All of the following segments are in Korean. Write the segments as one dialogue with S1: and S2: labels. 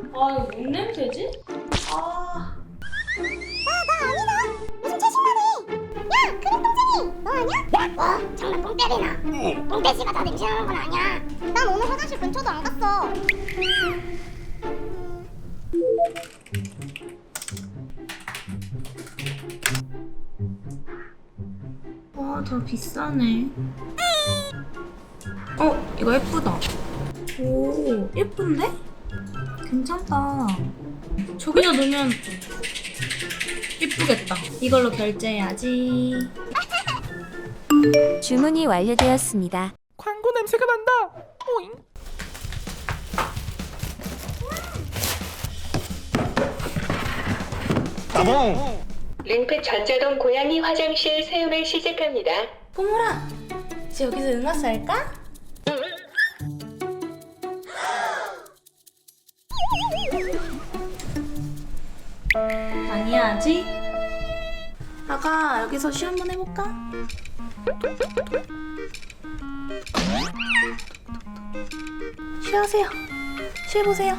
S1: 아, 이거 뭔 냄새지? 아.
S2: 나 아니다. 무슨 채식만해. 야, 그림 똥쟁이. 너 아니야? 뭐? 정말 똥 때리나? 똥돼지가 다 냄새나는 건 아니야. 난 오늘 화장실 근처도 안 갔어.
S1: 와, 더 비싸네. 이거 예쁘다. 오, 예쁜데? 괜찮다. 저기다 놓으면 예쁘겠다. 이걸로 결제해야지.
S3: 주문이 완료되었습니다.
S4: 광고 냄새가 난다. 오잉. 따봉.
S5: 링크 전자동 고양이 화장실 사용을 시작합니다.
S1: 꼬물아, 이제 여기서 응아스 할까? 아니야, 아직? 아가, 여기서 쉬 한번 해볼까? 쉬하세요. 쉬해보세요.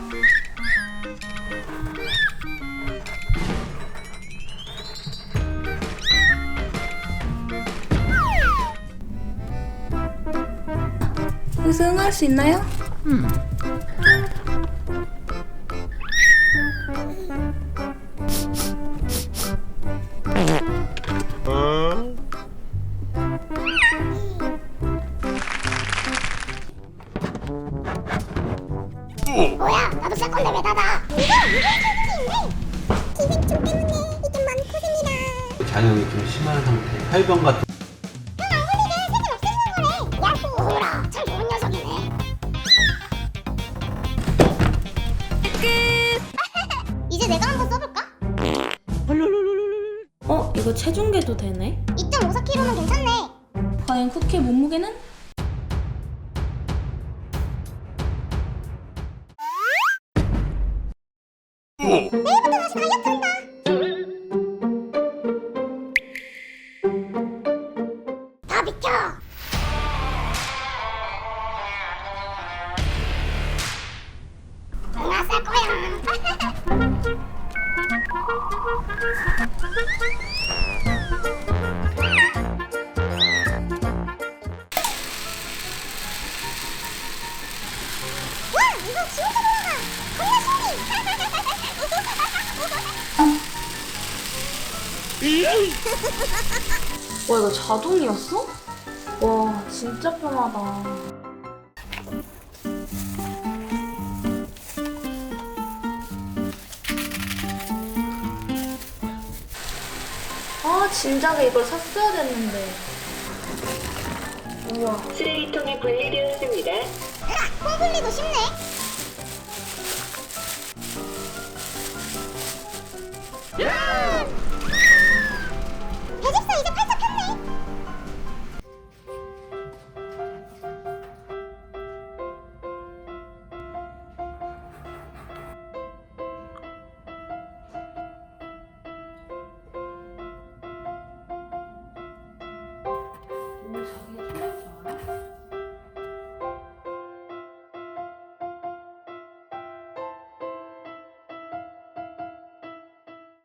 S1: 여기서 응할 수 있나요?
S2: 뭐야? 나도 쌀 건데 왜 닫아? 이거 기생충 때문에 이게 많고생이다.
S6: 잔형이 좀 심한 상태, 활병 같은.
S2: 넌 아무리게 색을 없애는 거래. 야호라, 참 좋은 녀석이네. 끝. 이제 내가 한번 써볼까?
S1: 이거 체중계도 되네?
S2: 2.54kg면 괜찮네.
S1: 과연 쿠키의 몸무게는?
S2: 내일부터 다시 다이어트 한다. 다 비켜. 응아 쌀 거야. 와, 이거 지 혼자 돌아가. 겁나 신기.
S1: 와, 이거 자동이었어? 와, 진짜 편하다. 아, 진작에 이걸 샀어야 됐는데. 우와.
S5: 쓰레기통이 분리되었습니다.
S2: 콩 분리도 쉽네.